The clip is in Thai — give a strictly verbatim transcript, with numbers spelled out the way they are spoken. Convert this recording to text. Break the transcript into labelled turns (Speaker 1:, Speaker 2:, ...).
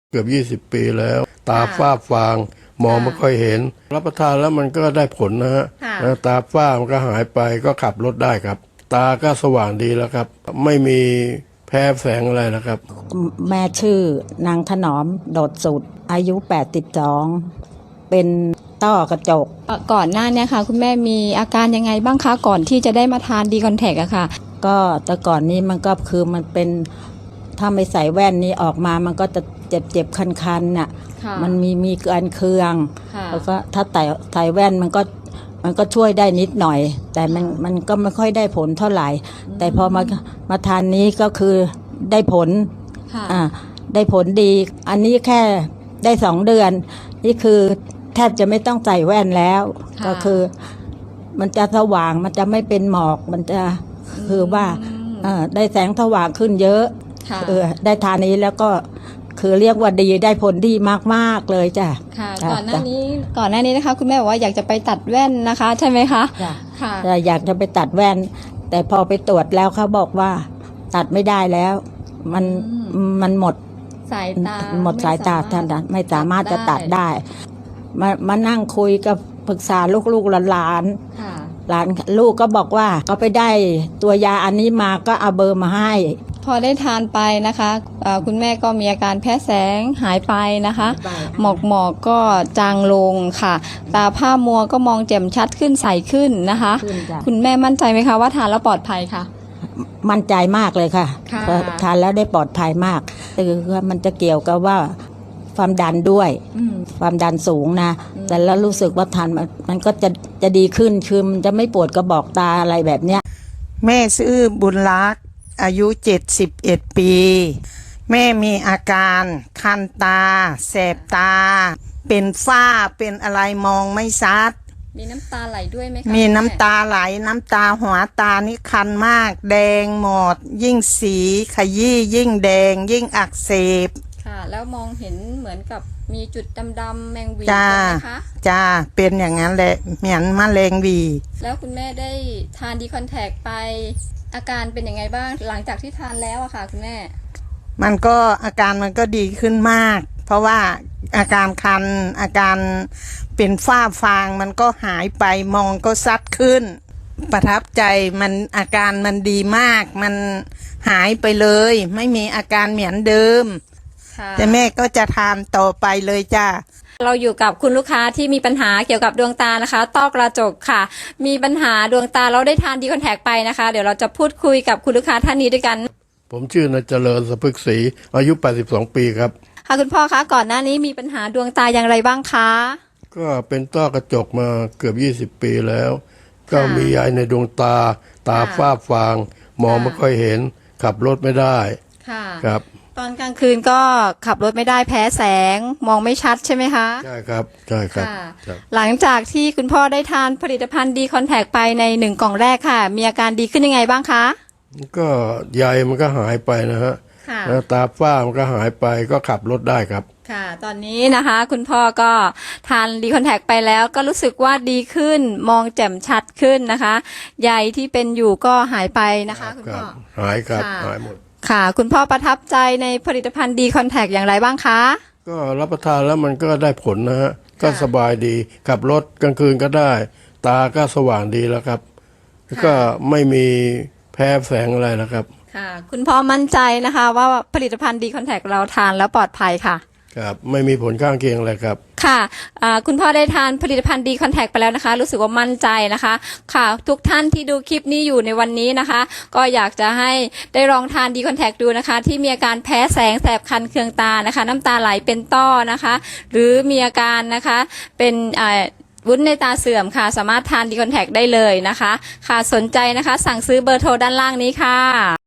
Speaker 1: เกือบยี่สิบปีแล้วตาฝ้าฟางมองไม่ค่อยเห็นรับประทานแล้วมันก็ได้ผลนะฮะตาฝ้ามันก็หายไปก็ขับรถได้ครับ ตาก็สว่างดีแล้วครับไม่มีแพ้แสงอะไรนะครับ
Speaker 2: แม่ชื่อนางถนอมโดดสุดอายุแปดสิบสองเป็นต้อกระจก
Speaker 3: ก่อนหน้านี้ค่ะคุณแม่มีอาการยังไงบ้างคะก่อนที่จะได้มาทานดีคอนแทคอะค่ะ
Speaker 2: ก็แต่ก่อนนี้มันก็คือมันเป็นถ้าไม่ใส่แว่นนี้ออกมามันก็จะเจ็บเจ็บคันๆน่ะมันมีมีเกินเคืองแล้วก็ถ้าใส่ใส่แว่นมันก็มันก็ช่วยได้นิดหน่อยแต่มันมันก็ไม่ค่อยได้ผลเท่าไหร่แต่พอมามาทานนี้ก็คือได้ผลอ่าได้ผลดีอันนี้แค่ได้สองเดือนนี่คือแทบจะไม่ต้องใส่แว่นแล้วก็คือมันจะสว่างมันจะไม่เป็นหมอกมันจะคือว่าได้แสงสว่างขึ้นเยอะเออได้ทานนี้แล้วก็คือเรียกว่าดีได้ผลดีมากๆเลยจ้ะ
Speaker 3: ค่ะก่อนหน้านี้ก่อนหน้านี้นะคะคุณแม่บอกว่าอยากจะไปตัดแว่นนะคะใช่ไหมคะ
Speaker 2: ค่ะอยากจะไปตัดแว่นแต่พอไปตรวจแล้วเขาบอกว่าตัดไม่ได้แล้วมันมันหมด
Speaker 3: สายตา
Speaker 2: หมดสายตาท่านไม่สามารถจะตัดได้มามานั่งคุยกับปรึกษาลูกๆหลานหลานลูกก็บอกว่าก็ไปได้ตัวยาอันนี้มาก็เอาเบอร์มาให้
Speaker 3: พอได้ทานไปนะคะคุณแม่ก็มีอาการแพ้แสงหายไปนะคะหมอกหมอกก็จางลงค่ะตาผ้ามัวก็มองแจ่มชัดขึ้นใสขึ้นนะคะคุณแม่มั่นใจไหมคะว่าทานแล้วปลอดภัยค่ะ
Speaker 2: มั่นใจมากเลยค่ะทานแล้วได้ปลอดภัยมากคือมันจะเกี่ยวกับว่าความดันด้วยความดันสูงนะแต่แล้วรู้สึกว่าทานมันก็จะจะดีขึ้นคือมันจะไม่ปวดกระบอกตาอะไรแบบเนี้ย
Speaker 4: แม่ชื่อบุญรักษ์อายุเจ็ดสิบเอ็ดปีแม่มีอาการคันตาแสบตาเป็นฝ้าเป็นอะไรมองไม่ชัด
Speaker 3: มีน้ำตาไหลด้วยไหมคะ
Speaker 4: มีน้ำตาไหลน้ำตาหัวตานี่คันมากแดงหมดยิ่งสีขยี้ยิ่งแดงยิ่งอักเสบ
Speaker 3: ค่ะแล้วมองเห็นเหมือนกับมีจุดดำๆแมงวีใช่ไหมคะ
Speaker 4: จ้าเป็นอย่างนั้นแหละเหมือนมะเร็งวี
Speaker 3: แล้วคุณแม่ได้ทานดีคอนแทคไปอาการเป็นยังไงบ้างหลังจากที่ทานแล้วอะค่ะคุณแม่
Speaker 4: มันก็อาการมันก็ดีขึ้นมากเพราะว่าอาการคันอาการเป็นฝ้าฟางมันก็หายไปมองก็ซัดขึ้นประทับใจมันอาการมันดีมากมันหายไปเลยไม่มีอาการเหมือนเดิมแต่แม่ก็จะทานต่อไปเลยจ้า
Speaker 3: เราอยู่กับคุณลูกค้าที่มีปัญหาเกี่ยวกับดวงตานะคะต้อกระจกค่ะมีปัญหาดวงตาเราได้ทานดีคอนแทคไปนะคะเดี๋ยวเราจะพูดคุยกับคุณลูกค้าท่านนี้ด้วยกัน
Speaker 1: ผมชื่อนายเจริญสะพึกศรีอายุแปดสิบสองปีครับ
Speaker 3: ค่ะคุณพ่อคะก่อนหน้านี้มีปัญหาดวงตาอย่างไรบ้างคะ
Speaker 1: ก็เป็นต้อกระจกมาเกือบยี่สิบปีแล้วก็มียายในดวงตาตาฝ้าฟางมองไม่ค่อยเห็นขับรถไม่ได้
Speaker 3: ค่ะ
Speaker 1: ครับ
Speaker 3: ตอนกลางคืนก็ขับรถไม่ได้แพ้แสงมองไม่ชัดใช่ไหมคะ
Speaker 1: ใช่ครับใช่ครับ
Speaker 3: หลังจากที่คุณพ่อได้ทานผลิตภัณฑ์ดีคอนแทคไปในหนึ่งกล่องแรกค่ะมีอาการดีขึ้นยังไงบ้างคะ
Speaker 1: ก็ใยมันก็หายไปนะฮะแล้วตาฝ้ามันก็หายไปก็ขับรถได้ครับ
Speaker 3: ค่ะตอนนี้นะคะคุณพ่อก็ทานดีคอนแทคไปแล้วก็รู้สึกว่าดีขึ้นมองแจ่มชัดขึ้นนะคะใยที่เป็นอยู่ก็หายไปนะคะคุณพ่อ
Speaker 1: หายครับหายหมด
Speaker 3: ค่ะคุณพ่อประทับใจในผลิตภัณฑ์ดีคอนแทคอย่างไรบ้างคะ
Speaker 1: ก็รับประทานแล้วมันก็ได้ผลนะฮะก็สบายดีขับรถกลางคืนก็ได้ตาก็สว่างดีแล้วครับก็ไม่มีแพ้แสงอะไรนะครับ
Speaker 3: ค่ะคุณพ่อมั่นใจนะคะว่าผลิตภัณฑ์ดีคอนแทคเราทานแล้วปลอดภัยค่ะ
Speaker 1: ครับไม่มีผลข้างเคียงอะไรครับ
Speaker 3: ค่ะคุณพ่อได้ทานผลิตภัณฑ์ดีคอนแทคไปแล้วนะคะรู้สึกว่ามั่นใจนะคะค่ะทุกท่านที่ดูคลิปนี้อยู่ในวันนี้นะคะก็อยากจะให้ได้ลองทานดีคอนแทคดูนะคะที่มีอาการแพ้แสงแสบคันเคืองตานะคะน้ำตาไหลเป็นต้อนะคะหรือมีอาการนะคะเป็นวุ้นในตาเสื่อมค่ะสามารถทานดีคอนแทคได้เลยนะคะค่ะสนใจนะคะสั่งซื้อเบอร์โทรด้านล่างนี้ค่ะ